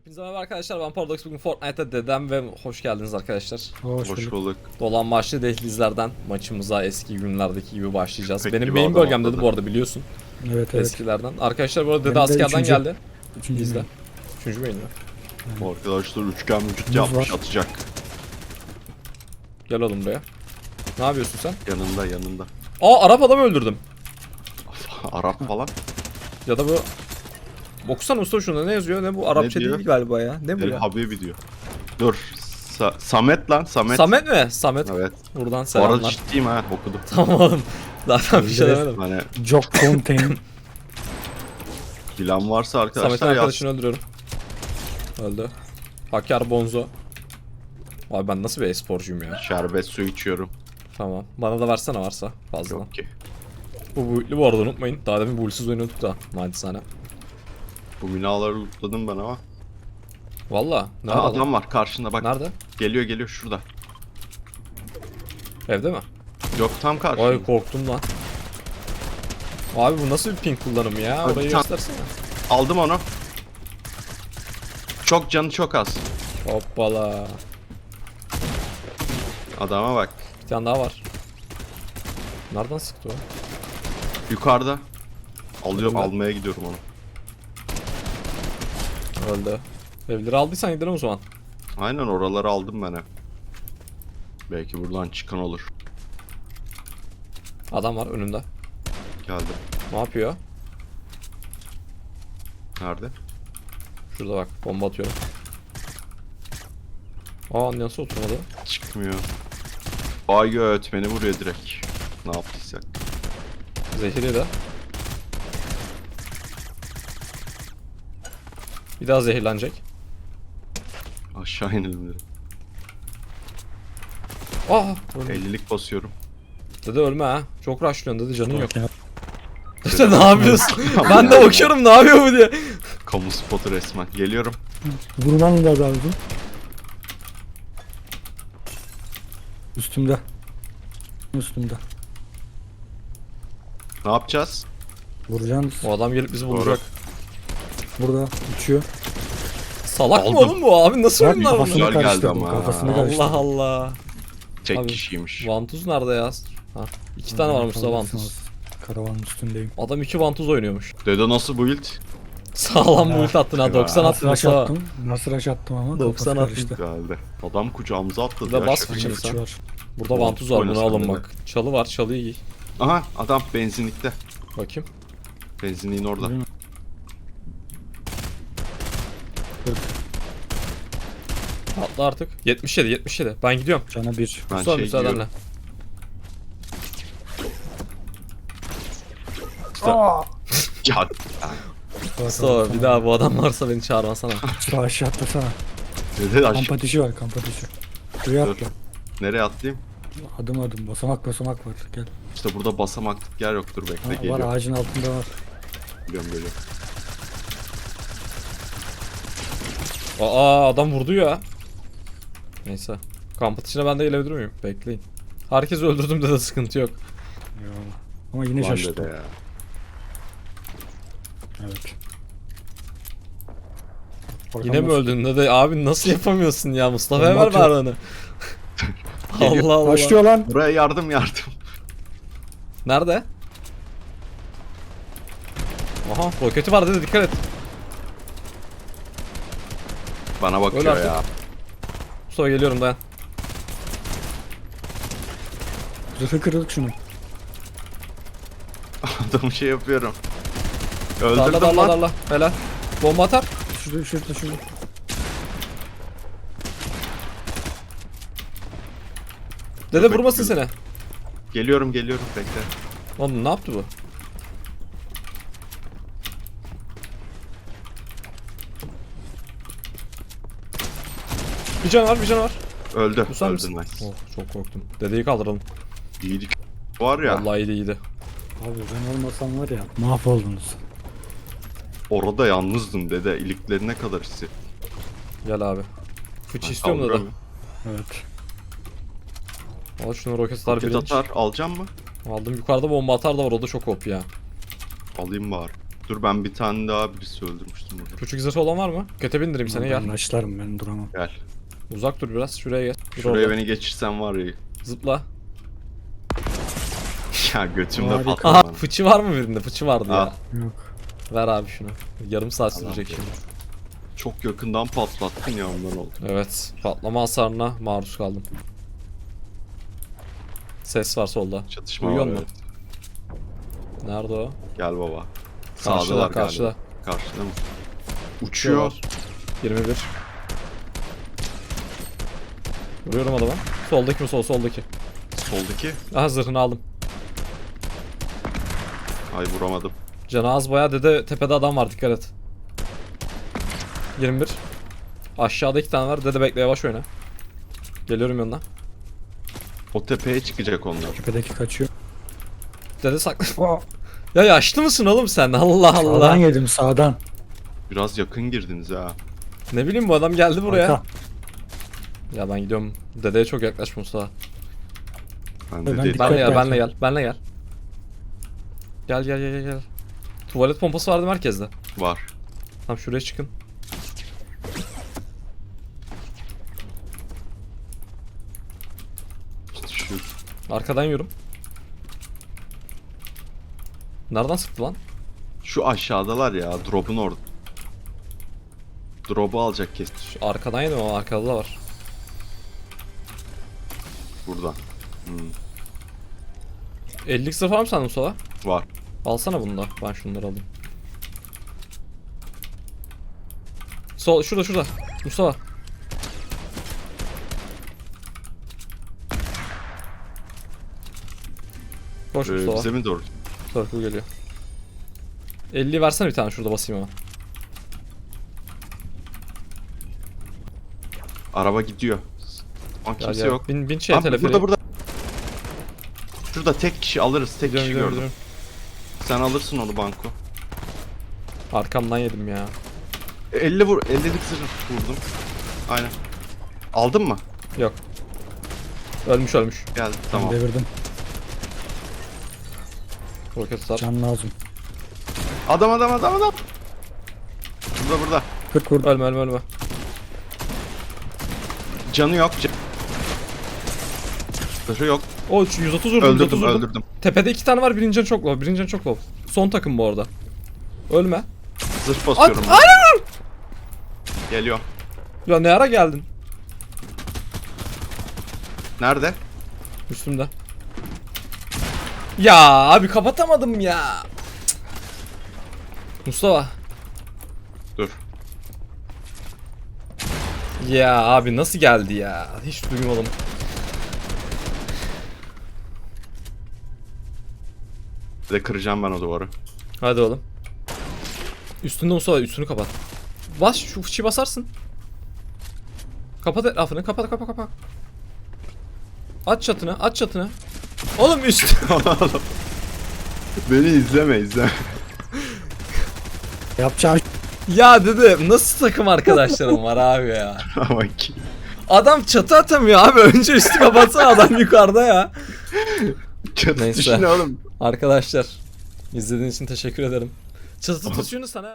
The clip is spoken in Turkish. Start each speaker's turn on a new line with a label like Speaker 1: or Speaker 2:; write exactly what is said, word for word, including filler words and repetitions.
Speaker 1: Hepinize merhaba arkadaşlar, ben Paradox. Bugün Fortnite'da dedem ve hoş geldiniz arkadaşlar.
Speaker 2: Hoş,
Speaker 3: Hoş bulduk.
Speaker 1: Dolan başlı dehlizlerden maçımıza eski günlerdeki gibi başlayacağız.
Speaker 3: Pek
Speaker 1: Benim
Speaker 3: gibi
Speaker 1: main
Speaker 3: adam
Speaker 1: bölgem dedi
Speaker 3: atladı.
Speaker 1: bu arada, biliyorsun.
Speaker 2: Evet evet.
Speaker 1: Eskilerden. Arkadaşlar bu arada dede
Speaker 2: Benim de
Speaker 1: askerden
Speaker 2: üçüncü.
Speaker 1: geldi.
Speaker 2: Üçüncü
Speaker 1: Bizde.
Speaker 2: main.
Speaker 1: Üçüncü main mi?
Speaker 3: Arkadaşlar üçgen vücut
Speaker 2: Muz
Speaker 3: yapmış
Speaker 2: var.
Speaker 3: atacak.
Speaker 1: Gel oğlum buraya. Ne yapıyorsun sen?
Speaker 3: Yanında yanında.
Speaker 1: Aa, Arap adamı öldürdüm.
Speaker 3: Arap falan.
Speaker 1: Ya da bu... Okusana usta şunda, ne yazıyor? Ne bu? Arapça
Speaker 3: diyor?
Speaker 1: değil galiba ya. Ne bu
Speaker 3: El
Speaker 1: ya?
Speaker 3: Habibi diyor. Dur. Sa- Samet lan Samet.
Speaker 1: Samet mi? Samet.
Speaker 3: Evet.
Speaker 1: Buradan
Speaker 3: Bu arada
Speaker 1: selamlar.
Speaker 3: ciddiyim ha okudum.
Speaker 1: Tamam oğlum. Zaten bir şey
Speaker 2: Evet.
Speaker 1: demedim.
Speaker 3: Hani
Speaker 2: Jock Contain.
Speaker 3: bilen varsa
Speaker 1: Samet'in
Speaker 3: arkadaşlar yaz.
Speaker 1: arkadaşını öldürüyorum. Öldü. Hakkar Bonzo. Abi ben nasıl bir e-sporcuyum ya.
Speaker 3: Şerbet su içiyorum.
Speaker 1: Tamam. Bana da versene varsa fazladan.
Speaker 3: Yok ki.
Speaker 1: Bu buitli bu arada, unutmayın. Daha demin builsiz oynuyorduk da. Naçizane.
Speaker 3: Bu binaları lootladım ben ama.
Speaker 1: Valla. Nerede
Speaker 3: Aa,
Speaker 1: adam?
Speaker 3: adam var karşında bak.
Speaker 1: Nerede?
Speaker 3: Geliyor geliyor şurada.
Speaker 1: Evde mi?
Speaker 3: Yok tam karşında.
Speaker 1: Ay korktum lan. Abi bu nasıl bir ping kullanımı ya?
Speaker 3: Abi
Speaker 1: Orayı
Speaker 3: tam-
Speaker 1: göstersene.
Speaker 3: Aldım onu. Çok canı çok az.
Speaker 1: Hoppala.
Speaker 3: Adama bak.
Speaker 1: Bir tane daha var. Nereden sıktı o?
Speaker 3: Yukarıda. Alıyorum
Speaker 1: Önümde.
Speaker 3: almaya gidiyorum onu.
Speaker 1: Öldü. Evleri aldıysan gidelim o zaman.
Speaker 3: Aynen oraları aldım ben hep. Belki buradan çıkan olur.
Speaker 1: Adam var önümde.
Speaker 3: Geldi.
Speaker 1: Ne yapıyor?
Speaker 3: Nerede?
Speaker 1: Şurada bak, bomba atıyorum. Aa, nasıl oturmadı?
Speaker 3: Çıkmıyor. Ay göt beni vuruyor direkt. Ne yaptıysak.
Speaker 1: Zehiri de. Bir daha zehirlenecek.
Speaker 3: Aşağı inelim dedim.
Speaker 1: Aa, öldü.
Speaker 3: ellilik basıyorum.
Speaker 1: Dede ölme ha. Çok rushlıyorsun dede, canın yok.
Speaker 2: Bak ya.
Speaker 1: Dede ne yapıyorsun? Ben de bakıyorum ne yapıyor bu diye.
Speaker 3: Kamu spotu resmen. Geliyorum.
Speaker 2: Vurulan da lazım. Üstümde. Üstümde.
Speaker 3: Ne yapacağız?
Speaker 2: Vuracağım.
Speaker 1: O adam gelip bizi
Speaker 3: Doğru.
Speaker 1: bulacak.
Speaker 2: Burada uçuyor.
Speaker 1: Salak mı
Speaker 3: Aldım.
Speaker 1: oğlum bu abi? Nasıl
Speaker 2: Bak
Speaker 1: oyunlar
Speaker 2: kafasını
Speaker 1: bunlar?
Speaker 3: Güzel geldi
Speaker 2: karıştırdım.
Speaker 3: ama.
Speaker 2: Kafasını karıştırdım.
Speaker 1: Allah Allah.
Speaker 3: Tek
Speaker 1: Abi,
Speaker 3: kişiymiş.
Speaker 1: Vantuz nerede ya? Ha, iki tane varmış da vantuz.
Speaker 2: Karavanın üstündeyim.
Speaker 1: Adam iki vantuz oynuyormuş.
Speaker 3: Dede nasıl build?
Speaker 1: Sağlam bu ult attın ha.
Speaker 3: Ya.
Speaker 1: doksan
Speaker 2: Nasıl
Speaker 1: attın
Speaker 2: rush
Speaker 1: Mustafa.
Speaker 2: attım? Nasıl rush attım ama
Speaker 1: doksan
Speaker 2: kafası
Speaker 1: attın.
Speaker 2: karıştı.
Speaker 3: Geldi. Adam kucağımıza atladı
Speaker 1: Bir de
Speaker 3: ya.
Speaker 1: bas
Speaker 3: şaka
Speaker 1: fıçını
Speaker 3: gibi.
Speaker 1: sen.
Speaker 2: Fıçı var.
Speaker 1: Burada
Speaker 3: Vantuz
Speaker 1: vantuz var, bunu
Speaker 3: oynasana
Speaker 1: alın
Speaker 3: dede.
Speaker 1: bak. Çalı var, çalıyı giy.
Speaker 3: Aha adam benzinlikte.
Speaker 1: Bakayım.
Speaker 3: Benzinliğin orada.
Speaker 2: Değil mi?
Speaker 1: Atla artık. yetmiş yedi, yetmiş yedi. Ben gidiyorum.
Speaker 2: Cana bir.
Speaker 3: Ben
Speaker 1: Mustafa
Speaker 3: şey
Speaker 1: müsaadenle.
Speaker 3: giyiyorum. Ya
Speaker 1: Mustafa bir daha bu adam varsa beni çağırmasana.
Speaker 2: Şu aşağı atlasana.
Speaker 3: dede aşk.
Speaker 2: Kamp ateşi var, kamp ateşi. Şuraya
Speaker 3: Dur.
Speaker 2: atla.
Speaker 3: Nereye atlayayım?
Speaker 2: Adım adım. Basamak basamak var. Gel.
Speaker 3: İşte burada basamaklık yer yoktur bekle
Speaker 2: Ha, var
Speaker 3: geliyorum.
Speaker 2: ağacın altında var.
Speaker 3: Geliyorum geliyorum.
Speaker 1: Aa, adam vurdu ya. Neyse. Kamp atışına ben de gelebilir miyim? Bekleyin. Herkesi öldürdüm de, de sıkıntı yok.
Speaker 2: Ama yine
Speaker 3: Lan
Speaker 2: şaşırttım.
Speaker 3: dede ya.
Speaker 2: Evet.
Speaker 1: Yine mi öldün de, de abi nasıl yapamıyorsun ya? Mustafa'ya
Speaker 2: Bomba
Speaker 1: ver
Speaker 2: atıyor.
Speaker 1: bari onu. Allah Allah.
Speaker 2: Başlıyor lan.
Speaker 3: Buraya yardım yardım.
Speaker 1: Nerede? Aha, roketi var dedi, dikkat et.
Speaker 3: Bana
Speaker 1: Öyle
Speaker 3: bakıyor
Speaker 1: artık.
Speaker 3: ya.
Speaker 1: Mustafa geliyorum, dayan.
Speaker 2: Zırhı kırıldık şunun.
Speaker 3: Adamı şey yapıyorum.
Speaker 1: Darla
Speaker 3: Öldürdüm
Speaker 1: darla
Speaker 3: lan.
Speaker 1: darla. Helal. Bomba atar.
Speaker 2: Şurada şurada şurada.
Speaker 1: Dede vurmasın seni.
Speaker 3: Geliyorum geliyorum bekle.
Speaker 1: Oğlum ne yaptı bu? Bir can var, bir can var.
Speaker 3: Öldü.
Speaker 1: Bu sen
Speaker 3: Öldü
Speaker 1: misin?
Speaker 3: nice.
Speaker 1: Oh, çok korktum. Dedeyi kaldıralım.
Speaker 3: İyiydik. Var ya
Speaker 1: Vallahi iyiydi iyiydi.
Speaker 2: Abi ben olmasam var ya mahvoldunuz.
Speaker 3: orada yalnızdım dede. İliklerine kadar hissi.
Speaker 1: Gel abi. Fıçı
Speaker 3: Ben
Speaker 1: istiyorum dede.
Speaker 3: kaldıramıyorum.
Speaker 2: Evet.
Speaker 1: Al şunu, roket atar
Speaker 3: Roket
Speaker 1: bilinç.
Speaker 3: atar alacağım mı?
Speaker 1: Aldım, yukarıda bomba atar da var, o da çok op ya.
Speaker 3: Alayım bari. Dur ben bir tane daha birisi öldürmüştüm burada.
Speaker 1: Küçük zırhı olan var mı? Köte bindireyim seni,
Speaker 2: Ben
Speaker 1: gel.
Speaker 2: başlarım, ben duramam.
Speaker 3: Gel.
Speaker 1: Uzak dur biraz, şuraya gel. Dur
Speaker 3: Şuraya
Speaker 1: orada.
Speaker 3: beni geçirsen var ya.
Speaker 1: Zıpla.
Speaker 3: Ya götümde
Speaker 2: Harika.
Speaker 3: patladı
Speaker 1: Aha
Speaker 3: bana.
Speaker 1: fıçı var mı birinde? Fıçı vardı
Speaker 3: Al.
Speaker 1: ya.
Speaker 2: Yok.
Speaker 1: Ver abi şunu. Yarım saat
Speaker 3: Tamam.
Speaker 1: sürecek şimdi.
Speaker 3: Çok yakından patlattın ya ondan oldu.
Speaker 1: Evet. Patlama hasarına maruz kaldım. Ses var solda.
Speaker 3: Çatışma
Speaker 1: Uyuyor
Speaker 3: var
Speaker 1: mu?
Speaker 3: evet.
Speaker 1: Nerede o?
Speaker 3: Gel baba.
Speaker 1: Karşıda,
Speaker 3: Sağdalar
Speaker 1: karşıda.
Speaker 3: galiba. Karşıda mı? Uçuyor.
Speaker 1: yirmi bir. Vuruyorum adama. Soldaki mi sol soldaki.
Speaker 3: Soldaki.
Speaker 1: Aha zırhını aldım.
Speaker 3: Ay vuramadım.
Speaker 1: Canı az bayağı, dede tepede adam var, dikkat et. yirmi bir. Aşağıda iki tane var. Dede bekle, yavaş oyna. Geliyorum yanına.
Speaker 3: O tepeye çıkacak onlar.
Speaker 2: Tepedeki kaçıyor.
Speaker 1: Dede sakla.
Speaker 2: Oh,
Speaker 1: Ya yaşlı mısın oğlum sen? Allah
Speaker 2: sağdan
Speaker 1: Allah.
Speaker 2: yedim, sağdan.
Speaker 3: Biraz yakın girdiniz ha.
Speaker 1: Ne bileyim, bu adam geldi buraya.
Speaker 2: Arka.
Speaker 1: Ya ben gidiyorum. Dedeye çok yaklaşma Mustafa.
Speaker 3: Ben
Speaker 2: Ben
Speaker 3: de değil.
Speaker 2: dikkat-
Speaker 1: Benle gel,
Speaker 2: et
Speaker 1: benle
Speaker 2: belki.
Speaker 1: gel, benle gel. Gel gel gel gel gel. Tuvalet pompası vardı merkezde.
Speaker 3: Var.
Speaker 1: Tam şuraya çıkın.
Speaker 3: İşte şu
Speaker 1: Arkadan yorum. Nereden sıktı lan?
Speaker 3: şu aşağıdalar ya. Drop'un orada. Drop'u alacak kesin.
Speaker 1: Şu arkadan yedim ama arkada da var.
Speaker 3: Burada. Hmm,
Speaker 1: ellilik sırf var mı sende Mustafa?
Speaker 3: var.
Speaker 1: Alsana bunu da. Ben şunları alayım. Sol, şurada şurada. Mustafa. Koş
Speaker 3: Ee,
Speaker 1: Mustafa.
Speaker 3: bize mi doğru?
Speaker 1: Circle geliyor. elliyi versene bir tane, şurada basayım ama.
Speaker 3: Araba gidiyor. Aa,
Speaker 1: Gel
Speaker 3: kimse
Speaker 1: gel.
Speaker 3: yok.
Speaker 1: Bin, bin şey
Speaker 3: Abi,
Speaker 1: teleferiğe.
Speaker 3: burada burada. Şurada tek kişi alırız. Tek
Speaker 1: Gidiyorum,
Speaker 3: kişi
Speaker 1: gidiyorum,
Speaker 3: gördüm.
Speaker 1: gidiyorum.
Speaker 3: Sen alırsın onu banko.
Speaker 1: Arkamdan yedim ya.
Speaker 3: E, elli vur. ellilik zırh vurdum. Aynen. Aldın mı?
Speaker 1: Yok. Ölmüş ölmüş.
Speaker 3: Geldi
Speaker 2: Ben
Speaker 3: tamam.
Speaker 2: devirdim.
Speaker 1: Roket atar.
Speaker 2: Can lazım.
Speaker 3: Adam adam adam adam. Burada burada.
Speaker 2: kırk vurdum.
Speaker 1: Ölme ölme ölme.
Speaker 3: Canı yok. Can... Zırhı yok.
Speaker 1: O yüz otuz vurdum. yüz otuz
Speaker 3: Öldürdüm
Speaker 1: vurdum.
Speaker 3: öldürdüm.
Speaker 1: Tepede iki tane var. Birinci can çok low. Birinci can çok low. Son takım bu arada. Ölme.
Speaker 3: Zırh basıyorum.
Speaker 1: At,
Speaker 3: ben.
Speaker 1: aynen.
Speaker 3: Geliyor.
Speaker 1: Ya ne ara geldin?
Speaker 3: Nerede?
Speaker 1: Üstümde. Ya abi kapatamadım ya. Cık. Mustafa.
Speaker 3: Dur.
Speaker 1: Ya abi nasıl geldi ya? Hiç duymadım.
Speaker 3: Bir de kıracağım ben o duvarı.
Speaker 1: Hadi oğlum. Üstünde Mustafa, üstünü kapat. Bas şu fıçıyı basarsın. Kapat etrafını, kapat kapat kapat. Aç çatını, aç çatını. Oğlum üst.
Speaker 3: Beni izleme izleme.
Speaker 2: Yapacağım.
Speaker 1: Ya dedim nasıl takım arkadaşlarım var abi ya.
Speaker 3: Ama ki.
Speaker 1: Adam çatı atamıyor abi. Önce üstü kapatsana, adam yukarıda ya.
Speaker 3: Çatı
Speaker 1: Neyse.
Speaker 3: düşün oğlum.
Speaker 1: Arkadaşlar izlediğiniz için teşekkür ederim. Çatı tutuşunu sana